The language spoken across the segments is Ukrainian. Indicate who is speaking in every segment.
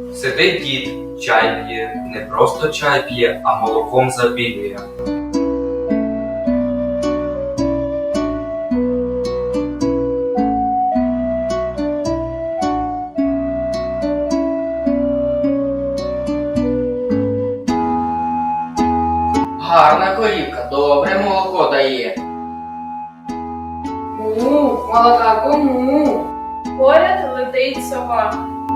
Speaker 1: Сидить дід, чай п'є, не просто чай п'є, а молоком запілює.
Speaker 2: Гарна корівка, добре молоко дає.
Speaker 3: Молока кому? Поряд летить сова.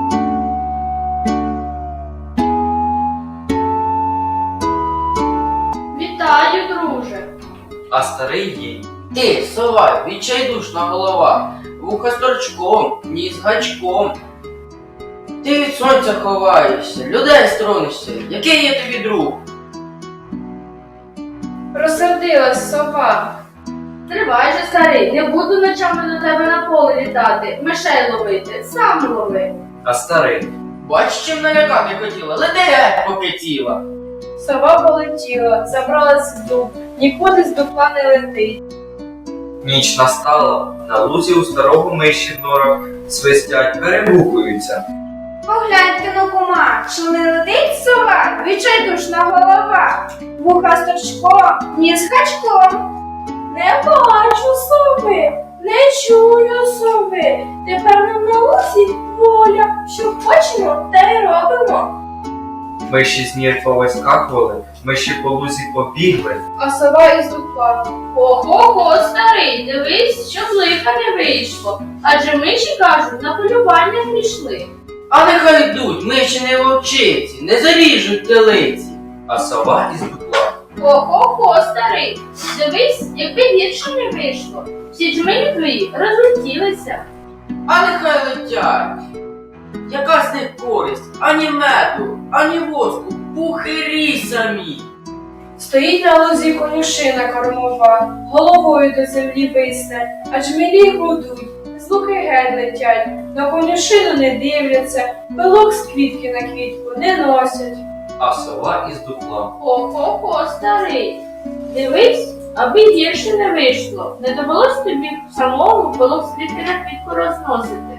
Speaker 3: Вітаю, друже.
Speaker 1: А старий їй:
Speaker 2: Ти, сова, відчайдушна голова, вуха з торчком, ніс гачком. Ти від сонця ховаєшся, людей сторонишся, який я тобі друг?
Speaker 3: Розсердилась сова. Тривай же, старий, не буду ночами до тебе на поле літати, мишей ловити, сам лови.
Speaker 1: а старий:
Speaker 2: Бач, чим налякати хотіла, лети геть, поки ціла.
Speaker 3: Сова полетіла, забралась в дуб, нікуди з дупла не летить.
Speaker 1: ніч настала, на лузі у старого миші в норах свистять, перегукуються.
Speaker 3: Погляньте на кума, чи не летить сова, відчайдушна голова, вуха з торчком, ніс гачком. Не бачу сови, не чую сови, тепер нам на лузі воля, що хочемо, те й робимо.
Speaker 1: Миші з нір повискакували, миші по лузі побігли.
Speaker 3: А сова із дупла: ого-го, старий, дивись, щоб лиха не вийшло, адже миші кажуть, на полювання пішли.
Speaker 2: А нехай йдуть, миші не вовчиці, не заріжуть телиці.
Speaker 1: А сова із дупла:
Speaker 3: Ого-го, старий, дивись, якби гірше не вийшло. Всі джмелі твої розлетілися.
Speaker 2: А нехай летять. Яка з них користь? Ані меду, ані воску, пухирі самі.
Speaker 3: Стоїть на лозі конюшина кормова, головою до землі висне, а джмелі гудуть, з луки геть летять, на конюшину не дивляться, пилок з квітки на квітку не носять.
Speaker 1: а сова із дупла:
Speaker 3: Ого-го, старий, дивись, аби гірше не вийшло, не довелось тобі самому пилок з квітки на квітку розносити.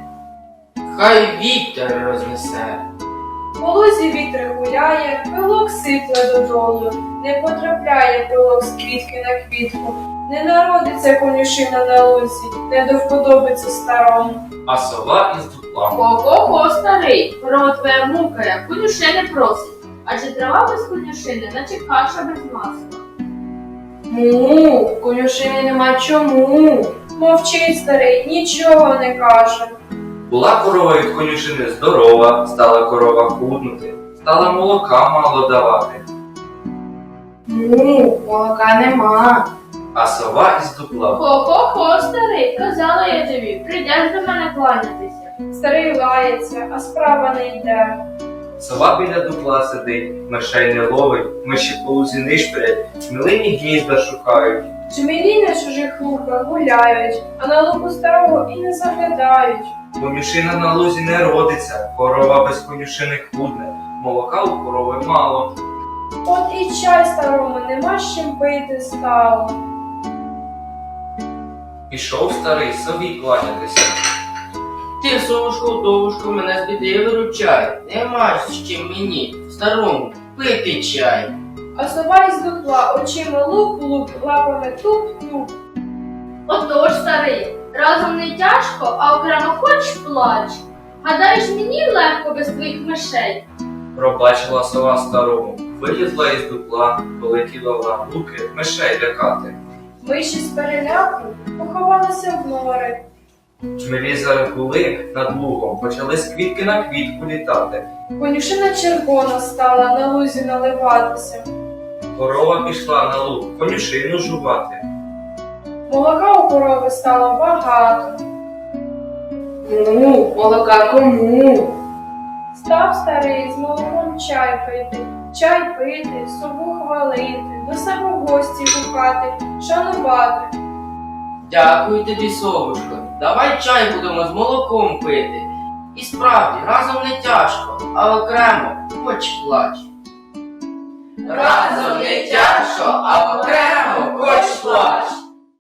Speaker 2: Хай вітер рознесе.
Speaker 3: По лузі вітер гуляє, пилок сипле додолу, не потрапляє пилок з квітки на квітку, не народиться конюшина на лузі, не до вподобиться старому.
Speaker 1: а сова із дупла:
Speaker 3: Ого-го, старий, корова твоя мукає, конюшини просить, адже трава без конюшини, наче каша без масла. Конюшини нема чому. Мовчить старий, нічого не каже.
Speaker 1: Була корова від конюшини здорова, стала корова худнути, стала молока мало давати.
Speaker 3: Молока нема.
Speaker 1: А сова із дупла:
Speaker 3: Хо-хо-хо, старий, казала я тобі, прийдеш до мене кланятися. Старий лається, а справа не йде.
Speaker 1: сова біля дупла сидить, мишей не ловить, миші по лузі нишпорять, милині гнізда шукають.
Speaker 3: Джмелі на чужих луках гуляють, а на луку старого і не заглядають.
Speaker 1: Конюшина на лузі не родиться, корова без конюшини худне, молока у корови мало.
Speaker 3: От і чай старому нема з чим пити стало.
Speaker 1: Пішов старий сові кланятися.
Speaker 2: Ти, совушко-довушко, мене з біди виручай. Нема з чим мені, старому, пити чай.
Speaker 3: А сова із дупла очима луп-луп, лапами туп-туп. Отож, старий, разом не тяжко, а окремо хоч плач. Гадаєш, мені легко без твоїх мишей?
Speaker 1: Пробачила сова старому, вилізла із дупла, полетіла в луки мишей лякати.
Speaker 3: Миші з переляку поховалися в нори.
Speaker 1: Джмелі зарегули над лугом, почали з квітки на квітку літати.
Speaker 3: Конюшина червона стала на лузі наливатися.
Speaker 1: Корова пішла на луг, конюшину жувати.
Speaker 3: Молока у корови стало багато. Молока кому? Став старий з молоком чай пити, сову хвалити, до себе в гості гукати, шанувати.
Speaker 2: Дякую тобі, совушко. Давай чай будемо з молоком пити. І справді, разом не тяжко, а окремо хоч плач. Разом не тяжко, а окремо хоч плач.